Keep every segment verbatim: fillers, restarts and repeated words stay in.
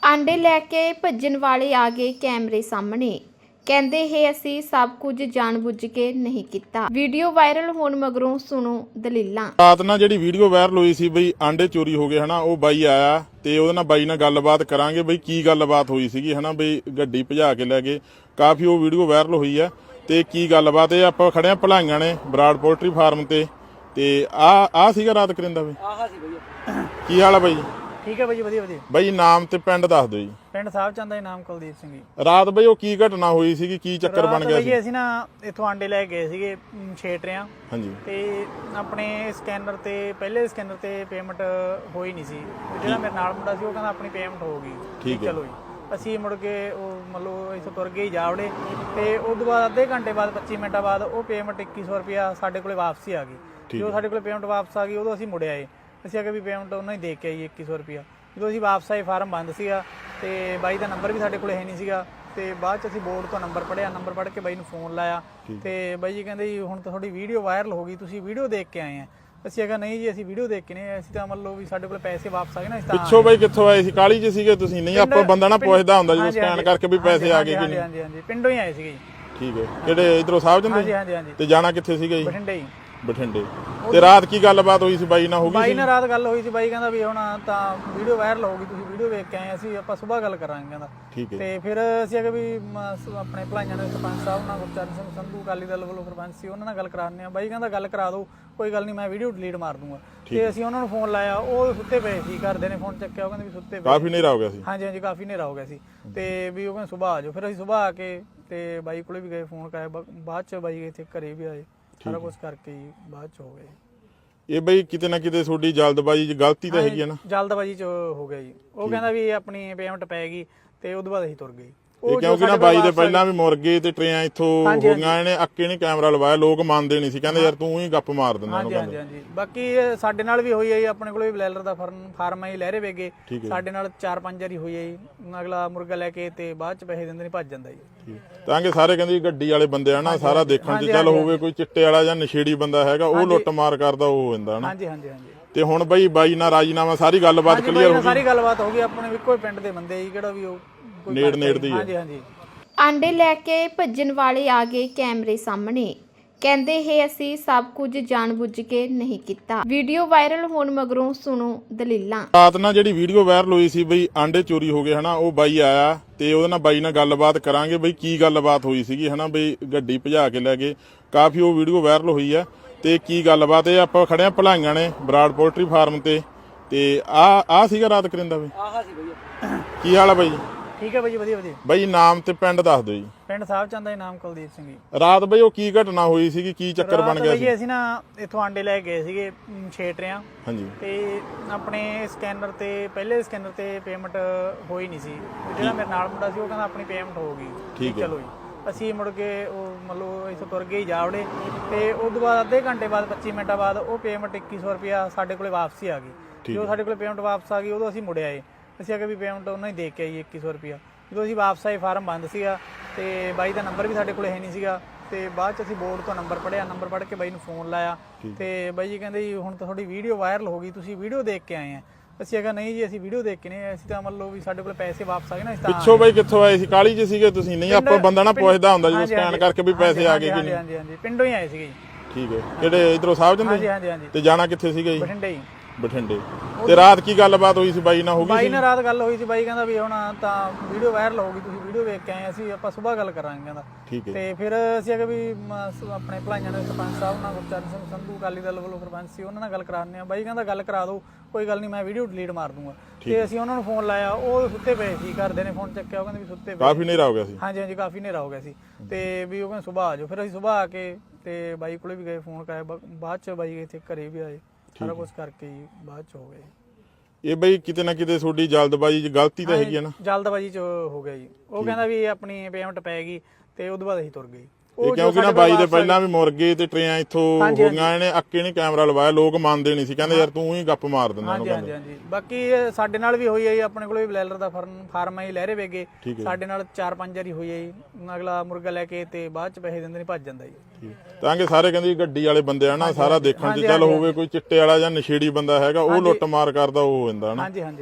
ਆਂਡੇ ਲੈ ਕੇ ਭੱਜਣ ਵਾਲੇ ਆ ਗਏ ਕੈਮਰੇ ਸਾਹਮਣੇ। ਕਹਿੰਦੇ ਹੈ ਅਸੀਂ ਸਭ ਕੁਝ ਜਾਣਬੁੱਝ ਕੇ ਨਹੀਂ ਕੀਤਾ। ਵੀਡੀਓ ਵਾਇਰਲ ਹੋਣ ਮਗਰੋਂ ਸੁਣੋ ਦਲੀਲਾਂ। ਰਾਤ ਨਾਲ ਜਿਹੜੀ ਵੀਡੀਓ ਵਾਇਰਲ ਹੋਈ ਸੀ ਬਈ ਆਂਡੇ ਚੋਰੀ ਹੋ ਗਏ ਹਨਾ, ਉਹ ਬਾਈ ਆਇਆ ਤੇ ਉਹਦੇ ਨਾਲ ਬਾਈ ਨਾਲ ਗੱਲਬਾਤ ਕਰਾਂਗੇ ਬਈ ਕੀ ਗੱਲਬਾਤ ਹੋਈ ਸੀਗੀ ਹਨਾ, ਬਈ ਗੱਡੀ ਭਜਾ ਕੇ ਲੈ ਗਏ। ਕਾਫੀ ਉਹ ਵੀਡੀਓ ਵਾਇਰਲ ਹੋਈ ਆ ਤੇ ਕੀ ਗੱਲਬਾਤ ਇਹ ਆਪਾਂ ਖੜੇ ਆ ਭਲਾਈਆਂ ਨੇ ਬਰਾੜ ਪੋਲਟਰੀ ਫਾਰਮ ਤੇ ਤੇ ਆ ਆ ਸੀਗਾ ਰਾਤ ਕਰਿੰਦਾ ਬਈ। ਆਹਾ ਸੀ ਬਈ। ਕੀ ਹਾਲ ਆ ਬਾਈ? ਠੀਕ ਹੈ ਬਾਈ, ਵਧੀਆ ਵਧੀਆ। ਬਾਈ ਨਾਮ ਤੇ ਪਿੰਡ ਦੱਸ ਦਿਓ ਜੀ। ਪਿੰਡ ਸਾਹਿਬ ਚੰਦ ਦਾ ਨਾਮ ਕੁਲਦੀਪ ਸਿੰਘ ਜੀ। ਰਾਤ ਬਈ ਉਹ ਕੀ ਘਟਨਾ ਹੋਈ ਸੀਗੀ, ਕੀ ਚੱਕਰ ਬਣ ਗਿਆ ਸੀ? ਬਈ ਅਸੀਂ ਨਾ ਇੱਥੋਂ ਆਂਡੇ ਲੈ ਗਏ ਸੀਗੇ ਛੇਟਰਿਆਂ। ਹਾਂਜੀ। ਤੇ ਆਪਣੇ ਸਕੈਨਰ ਤੇ ਪਹਿਲੇ ਸਕੈਨਰ ਤੇ ਪੇਮੈਂਟ ਹੋਈ ਨਹੀਂ ਸੀ। ਜਿਹੜਾ ਮੇਰੇ ਨਾਲ ਮੁੰਡਾ ਸੀ ਉਹ ਕਹਿੰਦਾ ਆਪਣੀ ਪੇਮੈਂਟ ਹੋ ਗਈ। ਠੀਕ ਹੈ। ਚਲੋ ਜੀ ਅਸੀਂ ਮੁੜ ਕੇ ਉਹ ਮਤਲਬ ਇੱਥੋਂ ਤੁਰ ਗਏ ਜਾਵੜੇ ਤੇ ਉਸ ਤੋਂ ਬਾਅਦ ਅੱਧੇ ਘੰਟੇ ਬਾਅਦ ਪੱਚੀ ਮਿੰਟਾਂ ਬਾਅਦ ਉਹ ਪੇਮੈਂਟ ਇੱਕੀ ਸੌ ਰੁਪਇਆ ਸਾਡੇ ਕੋਲੇ ਵਾਪਸੀ ਆ ਗਈ। ਜਦੋਂ ਸਾਡੇ ਕੋਲੇ ਪੇਮੈਂਟ ਵਾਪਸ ਆ ਗਈ ਉਦੋਂ ਅਸੀਂ ਮੁੜ ਆਏ। ਅਸੀਂ ਅਗੇ ਵੀ ਪੇਮੈਂਟ ਉਹਨਾਂ ਹੀ ਦੇ ਕੇ ਆਈ ਇੱਕੀ ਸੌ ਰੁਪਇਆ। ਜਦੋਂ ਅਸੀਂ ਵਾਪਸ ਆਏ ਫਾਰਮ ਬੰਦ ਸੀਗਾ ਤੇ ਬਾਈ ਦਾ ਨੰਬਰ ਵੀ ਸਾਡੇ ਕੋਲ ਹੈ ਨਹੀਂ ਸੀਗਾ ਤੇ ਬਾਅਦ ਚ ਅਸੀਂ ਬੋਰਡ ਤੋਂ ਨੰਬਰ ਪੜਿਆ। ਨੰਬਰ ਪੜ੍ਹ ਕੇ ਬਾਈ ਨੂੰ ਫੋਨ ਲਾਇਆ ਤੇ ਬਾਈ ਜੀ ਕਹਿੰਦੇ ਜੀ ਹੁਣ ਤਾਂ ਤੁਹਾਡੀ ਵੀਡੀਓ ਵਾਇਰਲ ਹੋ ਗਈ, ਤੁਸੀਂ ਵੀਡੀਓ ਦੇਖ ਕੇ ਆਏ ਆ। ਅਸੀਂ ਅਗਾ ਨਹੀਂ ਜੀ ਅਸੀਂ ਵੀਡੀਓ ਦੇਖ ਕੇ ਨਹੀਂ, ਅਸੀਂ ਤਾਂ ਮੰਨ ਲਓ ਵੀ ਸਾਡੇ ਕੋਲ ਪੈਸੇ ਵਾਪਸ ਆ ਗਏ ਨਾ। ਅਸੀਂ ਤਾਂ ਪਿੱਛੋਂ ਬਾਈ ਕਿੱਥੋਂ ਆਏ ਸੀ? ਕਾਲੀ ਚ ਸੀਗੇ ਤੁਸੀਂ? ਨਹੀਂ ਆਪਾਂ ਬੰਦਾ ਨਾ ਪੁੱਛਦਾ ਹੁੰਦਾ ਜਦੋਂ ਸਕੈਨ ਕਰਕੇ ਵੀ ਪੈਸੇ ਆ ਗਏ ਕਿ ਨਹੀਂ। ਹਾਂਜੀ ਹਾਂਜੀ ਪਿੰਡੋਂ ਹੀ ਆਏ ਸੀਗੇ ਜੀ। ਠੀਕ ਹੈ। ਕਿਹੜੇ ਇਧਰੋਂ ਸਾਹਿਬ ਜੰਦੇ? ਹਾਂਜੀ ਹਾਂਜੀ ਹਾਂਜੀ। ਤੇ ਜਾਣਾ ਕਿੱਥੇ ਸੀਗਾ ਜੀ? ਬਠਿੰਡੇ ਹੀ। ਬਠਿੰਡੇ। ਤੇ ਰਾਤ ਕੀ ਗੱਲਬਾਤ ਹੋਈ ਸੀ ਬਾਈ ਨਾਲ? ਹੋ ਗਈ ਬਾਈ ਨਾਲ ਰਾਤ ਗੱਲ ਹੋਈ ਸੀ। ਬਾਈ ਕਹਿੰਦਾ ਵੀ ਹੁਣ ਤਾਂ ਵੀਡੀਓ ਵਾਇਰਲ ਹੋ ਗਈ, ਤੁਸੀਂ ਵੀਡੀਓ ਵੇਖ ਕੇ ਆਏ, ਅਸੀਂ ਆਪਾਂ ਸਵੇਰ ਗੱਲ ਕਰਾਂਗੇ ਕਹਿੰਦਾ। ਠੀਕ ਹੈ। ਤੇ ਫਿਰ ਅਸੀਂ ਅਗੇ ਵੀ ਆਪਣੇ ਭਲਾਈਆਂ ਦੇ ਸਰਪੰਚ ਸਾਹਿਬ ਨਾਲ ਗੁਰਚਰਨ ਸਿੰਘ ਸੰਧੂ ਅਕਾਲੀ ਦਲ ਵੱਲੋਂ ਸਰਪੰਚ ਸੀ, ਉਹਨਾਂ ਨਾਲ ਗੱਲ ਕਰਾਉਂਦੇ ਆ। ਬਾਈ ਕਹਿੰਦਾ ਗੱਲ ਕਰਾ ਦਿਓ, ਕੋਈ ਗੱਲ ਨਹੀਂ, ਮੈਂ ਵੀਡੀਓ ਡਿਲੀਟ ਮਾਰ ਦੂੰਗਾ। ਤੇ ਅਸੀਂ ਉਹਨਾਂ ਨੂੰ ਫੋਨ ਲਾਇਆ, ਉਹ ਸੁੱਤੇ ਪਏ ਸੀ। ਘਰਦੇ ਨੇ ਫੋਨ ਚੱਕਿਆ, ਉਹ ਕਹਿੰਦੇ ਵੀ ਸੁੱਤੇ ਪਏ। ਕਾਫੀ ਹਨੇਰਾ ਹੋ ਗਿਆ ਸੀ। ਹਾਂਜੀ ਹਾਂਜੀ ਕਾਫੀ ਹਨੇਰਾ ਹੋ ਗਿਆ ਸੀ ਤੇ ਵੀ ਉਹ ਕਹਿੰਦੇ ਸੁਬਾਹ ਆ ਜਾਓ। ਫਿਰ ਅਸੀਂ ਸੁਬਾਹ ਆ ਕੇ ਤੇ ਬਾਈ ਕੋਲੇ ਵੀ ਗਏ, ਫੋਨ ਕਰਾਇਆ। ਬਾਅਦ ਚ ਬਾਈ ਇੱਥੇ ਘਰੇ ਵੀ ਆਏ, ਸਾਰਾ ਕੁਝ ਕਰਕੇ ਹੀ ਬਾਅਦ ਚ ਹੋ ਗਏ। ਇਹ ਬਈ ਕਿਤੇ ਨਾ ਕਿਤੇ ਤੁਹਾਡੀ ਜਲਦਬਾਜ਼ੀ ਚ ਗਲਤੀ ਤਾਂ ਹੈਗੀ ਹੈ ਨਾ? ਜਲਦਬਾਜ਼ੀ ਚ ਹੋ ਗਿਆ ਜੀ। ਉਹ ਕਹਿੰਦਾ ਵੀ ਆਪਣੀ ਪੇਮੈਂਟ ਪੈ ਗਈ ਤੇ ਉਦੋਂ ਬਾਅਦ ਅਸੀਂ ਤੁਰ ਗਏ। ਇਹ ਕਿਉਂਕਿ ਨਾ ਬਾਈ ਦੇ ਪਹਿਲਾਂ ਵੀ ਮੁਰਗੇ ਤੇ ਟਰੇਆਂ ਇੱਥੋਂ ਹੋ ਗਈਆਂ ਨੇ, ਅੱਕੇ ਨਹੀਂ ਕੈਮਰਾ ਲਵਾਇਆ, ਲੋਕ ਮੰਨਦੇ ਨਹੀਂ ਸੀ, ਕਹਿੰਦੇ ਯਾਰ ਤੂੰ ਹੀ ਗੱਪ ਮਾਰ ਦਿੰਦਾ ਉਹਨੂੰ। ਹਾਂਜੀ ਹਾਂਜੀ ਬਾਕੀ ਸਾਡੇ ਨਾਲ ਵੀ ਹੋਈ ਹੈ ਜੀ। ਆਪਣੇ ਕੋਲ ਵੀ ਬਲੈਲਰ ਦਾ ਫਾਰਮ ਹੈ ਜੀ, ਲਹਿਰੇ ਵੇਗੇ। ਸਾਡੇ ਨਾਲ ਚਾਰ ਪੰਜ ਵਾਰੀ ਹੋਈ ਹੈ ਜੀ। ਅਗਲਾ ਮੁਰਗਾ ਲੈ ਕੇ ਤੇ ਬਾਅਦ ਚ ਪੈਸੇ ਦਿੰਦੇ ਨਹੀਂ, ਭੱਜ ਜਾਂਦਾ ਜੀ। ਤਾਂ ਕਿ ਸਾਰੇ ਕਹਿੰਦੇ ਗੱਡੀ ਵਾਲੇ ਬੰਦੇ ਆ ਨਾ, ਸਾਰਾ ਦੇਖਣ ਚ ਚੱਲ ਹੋਵੇ ਕੋਈ ਚਿੱਟੇ ਵਾਲਾ ਜਾਂ ਨਸ਼ੇੜੀ ਬੰਦਾ ਹੈਗਾ, ਉਹ ਲੁੱਟ ਮਾਰ ਕਰਦਾ ਉਹ ਹੁੰਦਾ ਨਾ। ਹਾਂਜੀ ਹਾਂਜੀ ਹਾਂਜੀ। ਤੇ ਹੁਣ ਬਈ ਬਾਈ ਨਾਲ ਰਾਜੀਨਾਮਾ ਸਾਰੀ ਗੱਲਬਾਤ ਕਲੀਅਰ ਹੋ ਗਈ? ਸਾਰੀ ਗੱਲਬਾਤ ਹੋ ਗਈ। ਆਪਣੇ ਇੱਕੋ ਹੀ ਪਿੰਡ ਦੇ ਬੰਦੇ ਜੀ, ਕਿਹੜਾ ਵੀ ਉਹ ਨੇੜ ਨੇੜ ਦੀ। ਹਾਂਜੀ ਹਾਂਜੀ। ਆਂਡੇ ਲੈ ਕੇ ਭੱਜਣ ਵਾਲੇ ਆ ਗਏ ਕੈਮਰੇ ਸਾਹਮਣੇ। ਕਹਿੰਦੇ ਹੈ ਅਸੀਂ ਸਭ ਕੁਝ ਜਾਣਬੁੱਝ ਕੇ ਨਹੀਂ ਕੀਤਾ। ਵੀਡੀਓ ਵਾਇਰਲ ਹੋਣ ਮਗਰੋਂ ਸੁਣੋ ਦਲੀਲਾਂ। ਰਾਤ ਨਾਲ ਜਿਹੜੀ ਵੀਡੀਓ ਵਾਇਰਲ ਹੋਈ ਸੀ ਬਈ ਆਂਡੇ ਚੋਰੀ ਹੋ ਗਏ ਹਨਾ, ਉਹ ਬਾਈ ਆਇਆ ਤੇ ਉਹਦੇ ਨਾਲ ਬਾਈ ਨਾਲ ਗੱਲਬਾਤ ਕਰਾਂਗੇ ਬਈ ਕੀ ਗੱਲਬਾਤ ਹੋਈ ਸੀਗੀ ਹਨਾ, ਬਈ ਗੱਡੀ ਭਜਾ ਕੇ ਲੈ ਗਏ। ਕਾਫੀ ਉਹ ਵੀਡੀਓ ਵਾਇਰਲ ਹੋਈ ਆ ਤੇ ਕੀ ਗੱਲਬਾਤ ਇਹ ਆਪਾਂ ਖੜੇ ਆ ਭਲਾਈਆਂ ਨੇ ਬਰਾੜ ਪੋਲਟਰੀ ਫਾਰਮ ਤੇ ਤੇ ਆ ਆ ਸੀਗਾ ਰਾਤ ਕਰਿੰਦਾ ਬਈ। ਆਹਾ ਸੀ ਬਈ। ਕੀ ਹਾਲ ਆ ਬਾਈ? ਠੀਕ ਹੈ ਬਾਈ, ਵਧੀਆ ਵਧੀਆ। ਬਾਈ ਨਾਮ ਤੇ ਪਿੰਡ ਦੱਸ ਦਿਓ ਜੀ। ਪਿੰਡ ਸਾਹਿਬ ਚੰਦ ਦਾ ਨਾਮ ਕੁਲਦੀਪ ਸਿੰਘ ਜੀ। ਰਾਤ ਬਈ ਉਹ ਕੀ ਘਟਨਾ ਹੋਈ ਸੀਗੀ, ਕੀ ਚੱਕਰ ਬਣ ਗਿਆ ਸੀ? ਅਸੀਂ ਨਾ ਇੱਥੋਂ ਆਂਡੇ ਲੈ ਗਏ ਸੀਗੇ ਛੇਟਰਿਆਂ। ਹਾਂਜੀ। ਤੇ ਆਪਣੇ ਸਕੈਨਰ ਤੇ ਪਹਿਲੇ ਸਕੈਨਰ ਤੇ ਪੇਮੈਂਟ ਹੋਈ ਨਹੀਂ ਸੀ। ਜਿਹੜਾ ਮੇਰੇ ਨਾਲ ਮੁੰਡਾ ਸੀ ਉਹ ਕਹਿੰਦਾ ਆਪਣੀ ਪੇਮੈਂਟ ਹੋ ਗਈ। ਠੀਕ ਹੈ। ਚਲੋ ਜੀ ਅਸੀਂ ਮੁੜ ਕੇ ਉਹ ਮਤਲਬ ਇੱਥੋਂ ਤੁਰ ਗਏ ਜਾਵੜੇ ਤੇ ਉਸ ਤੋਂ ਬਾਅਦ ਅੱਧੇ ਘੰਟੇ ਬਾਅਦ ਪੱਚੀ ਮਿੰਟਾਂ ਬਾਅਦ ਉਹ ਪੇਮੈਂਟ ਇੱਕੀ ਸੌ ਰੁਪਇਆ ਸਾਡੇ ਕੋਲੇ ਵਾਪਸੀ ਆ ਗਈ। ਜਦੋਂ ਸਾਡੇ ਕੋਲੇ ਪੇਮੈਂਟ ਵਾਪਸ ਆ ਗਈ ਉਦੋਂ ਅਸੀਂ ਮੁੜ ਆਏ। ਅਸੀਂ ਅਗੇ ਵੀ ਪੇਮੈਂਟ ਉਹਨਾਂ ਹੀ ਦੇ ਕੇ ਆਈ ਇੱਕੀ ਸੌ ਰੁਪਇਆ। ਜਦੋਂ ਅਸੀਂ ਵਾਪਸ ਆਏ ਫਾਰਮ ਬੰਦ ਸੀਗਾ ਤੇ ਬਾਈ ਦਾ ਨੰਬਰ ਵੀ ਸਾਡੇ ਕੋਲ ਹੈ ਨਹੀਂ ਸੀਗਾ ਤੇ ਬਾਅਦ ਚ ਅਸੀਂ ਬੋਰਡ ਤੋਂ ਨੰਬਰ ਪੜਿਆ। ਨੰਬਰ ਪੜ੍ਹ ਕੇ ਬਾਈ ਨੂੰ ਫੋਨ ਲਾਇਆ ਤੇ ਬਾਈ ਜੀ ਕਹਿੰਦੇ ਜੀ ਹੁਣ ਤਾਂ ਤੁਹਾਡੀ ਵੀਡੀਓ ਵਾਇਰਲ ਹੋ ਗਈ, ਤੁਸੀਂ ਵੀਡੀਓ ਦੇਖ ਕੇ ਆਏ ਆ। ਅਸੀਂ ਅਗਾ ਨਹੀਂ ਜੀ ਅਸੀਂ ਵੀਡੀਓ ਦੇਖ ਕੇ ਨਹੀਂ, ਅਸੀਂ ਤਾਂ ਮੰਨ ਲਓ ਵੀ ਸਾਡੇ ਕੋਲ ਪੈਸੇ ਵਾਪਸ ਆ ਗਏ ਨਾ। ਅਸੀਂ ਤਾਂ ਪਿੱਛੋਂ ਬਾਈ ਕਿੱਥੋਂ ਆਏ ਸੀ? ਕਾਲੀ ਚ ਸੀਗੇ ਤੁਸੀਂ? ਨਹੀਂ ਆਪਾਂ ਬੰਦਾ ਨਾ ਪੁੱਛਦਾ ਹੁੰਦਾ ਜਦੋਂ ਸਕੈਨ ਕਰਕੇ ਵੀ ਪੈਸੇ ਆ ਗਏ ਕਿ ਨਹੀਂ। ਹਾਂਜੀ ਹਾਂਜੀ ਪਿੰਡੋਂ ਹੀ ਆਏ ਸੀਗੇ ਜੀ। ਠੀਕ ਹੈ। ਕਿਹੜੇ ਇਧਰੋਂ ਸਾਹਿਬ ਜੰਦੇ? ਹਾਂਜੀ ਹਾਂਜੀ ਹਾਂਜੀ। ਤੇ ਜਾਣਾ ਕਿੱਥੇ ਸੀਗਾ ਜੀ? ਬਠਿੰਡੇ ਹੀ। ਬਠਿੰਡੇ। ਤੇ ਰਾਤ ਕੀ ਗੱਲਬਾਤ ਹੋਈ ਸੀ ਬਾਈ ਨਾਲ? ਹੋ ਗਈ ਬਾਈ ਨਾਲ ਰਾਤ ਗੱਲ ਹੋਈ ਸੀ। ਬਾਈ ਕਹਿੰਦਾ ਵੀ ਹੁਣ ਤਾਂ ਵੀਡੀਓ ਵਾਇਰਲ ਹੋ ਗਈ, ਤੁਸੀਂ ਵੀਡੀਓ ਵੇਖ ਕੇ ਆਏ, ਅਸੀਂ ਆਪਾਂ ਸਵੇਰ ਗੱਲ ਕਰਾਂਗੇ ਕਹਿੰਦਾ। ਠੀਕ ਹੈ। ਤੇ ਫਿਰ ਅਸੀਂ ਅਗੇ ਵੀ ਆਪਣੇ ਭਲਾਈਆਂ ਦੇ ਸਰਪੰਚ ਸਾਹਿਬ ਨਾਲ ਗੁਰਚਰਨ ਸਿੰਘ ਸੰਧੂ ਅਕਾਲੀ ਦਲ ਵੱਲੋਂ ਸਰਪੰਚ ਸੀ, ਉਹਨਾਂ ਨਾਲ ਗੱਲ ਕਰਾਉਂਦੇ ਆ। ਬਾਈ ਕਹਿੰਦਾ ਗੱਲ ਕਰਾ ਦਿਓ, ਕੋਈ ਗੱਲ ਨਹੀਂ, ਮੈਂ ਵੀਡੀਓ ਡਿਲੀਟ ਮਾਰ ਦੂੰਗਾ। ਤੇ ਅਸੀਂ ਉਹਨਾਂ ਨੂੰ ਫੋਨ ਲਾਇਆ, ਉਹ ਸੁੱਤੇ ਪਏ ਸੀ। ਘਰਦੇ ਨੇ ਫੋਨ ਚੱਕਿਆ, ਉਹ ਕਹਿੰਦੇ ਵੀ ਸੁੱਤੇ ਪਏ। ਕਾਫੀ ਹਨੇਰਾ ਹੋ ਗਿਆ ਸੀ। ਹਾਂਜੀ ਹਾਂਜੀ ਕਾਫੀ ਹਨੇਰਾ ਹੋ ਗਿਆ ਸੀ ਤੇ ਵੀ ਉਹ ਕਹਿੰਦੇ ਸੁਬਾਹ ਆ ਜਾਓ। ਫਿਰ ਅਸੀਂ ਸੁਬਾਹ ਆ ਕੇ ਤੇ ਬਾਈ ਕੋਲੇ ਵੀ ਗਏ, ਫੋਨ ਕਰਾਇਆ। ਬਾਅਦ ਚ ਬਾਈ ਇੱਥੇ ਘਰੇ ਵੀ ਆਏ, ਸਾਰਾ ਕੁਝ ਕਰਕੇ ਹੀ ਬਾਅਦ ਚ ਹੋ ਗਏ। ਇਹ ਬਈ ਕਿਤੇ ਨਾ ਕਿਤੇ ਤੁਹਾਡੀ ਜਲਦਬਾਜ਼ੀ ਚ ਗਲਤੀ ਤਾਂ ਹੈਗੀ ਹੈ ਨਾ? ਜਲਦਬਾਜ਼ੀ ਚ ਹੋ ਗਿਆ ਜੀ। ਉਹ ਕਹਿੰਦਾ ਵੀ ਆਪਣੀ ਪੇਮੈਂਟ ਪੈ ਗਈ ਤੇ ਉਦੋਂ ਬਾਅਦ ਅਸੀਂ ਤੁਰ ਗਏ। ਇਹ ਕਿਉਂਕਿ ਨਾ ਬਾਈ ਦੇ ਪਹਿਲਾਂ ਵੀ ਮੁਰਗੇ ਤੇ ਟਰੇਆਂ ਇੱਥੋਂ ਹੋ ਗਈਆਂ ਨੇ, ਅੱਕੇ ਨਹੀਂ ਕੈਮਰਾ ਲਵਾਇਆ, ਲੋਕ ਮੰਨਦੇ ਨਹੀਂ ਸੀ, ਕਹਿੰਦੇ ਯਾਰ ਤੂੰ ਹੀ ਗੱਪ ਮਾਰ ਦਿੰਦਾ ਉਹਨੂੰ। ਹਾਂਜੀ ਹਾਂਜੀ ਬਾਕੀ ਸਾਡੇ ਨਾਲ ਵੀ ਹੋਈ ਹੈ ਜੀ। ਆਪਣੇ ਕੋਲ ਵੀ ਬਲੈਲਰ ਦਾ ਫਾਰਮ ਹੈ ਜੀ, ਲਹਿਰੇ ਵੇਗੇ। ਸਾਡੇ ਨਾਲ ਚਾਰ ਪੰਜ ਵਾਰੀ ਹੋਈ ਹੈ ਜੀ। ਅਗਲਾ ਮੁਰਗਾ ਲੈ ਕੇ ਤੇ ਬਾਅਦ ਚ ਪੈਸੇ ਦਿੰਦੇ ਨਹੀਂ, ਭੱਜ ਜਾਂਦਾ ਜੀ। ਤਾਂ ਕਿ ਸਾਰੇ ਕਹਿੰਦੇ ਗੱਡੀ ਵਾਲੇ ਬੰਦੇ ਆ ਨਾ, ਸਾਰਾ ਦੇਖਣ ਚ ਚੱਲ ਹੋਵੇ ਕੋਈ ਚਿੱਟੇ ਵਾਲਾ ਜਾਂ ਨਸ਼ੇੜੀ ਬੰਦਾ ਹੈਗਾ, ਉਹ ਲੁੱਟ ਮਾਰ ਕਰਦਾ ਉਹ ਹੁੰਦਾ ਨਾ। ਹਾਂਜੀ ਹਾਂਜੀ ਹਾਂਜੀ।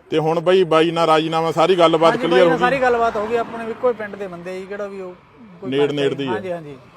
ਤੇ ਹੁਣ ਬਈ ਬਾਈ ਨਾਲ ਰਾਜੀਨਾਮਾ ਸਾਰੀ ਗੱਲਬਾਤ ਹਾਂਜੀ ਕਲੀਅਰ ਬਾਈ ਹੋ ਨਾਲ ਸਾਰੀ ਗੱਲਬਾਤ ਹੋ ਗਈ, ਆਪਣੇ ਇੱਕੋ ਹੀ ਪਿੰਡ ਦੇ ਬੰਦੇ ਜੀ, ਕਿਹੜਾ ਵੀ ਉਹ ਕੋਈ ਨੇੜ ਨੇੜ ਦੀ ਹੈ। ਹਾਂਜੀ ਹਾਂਜੀ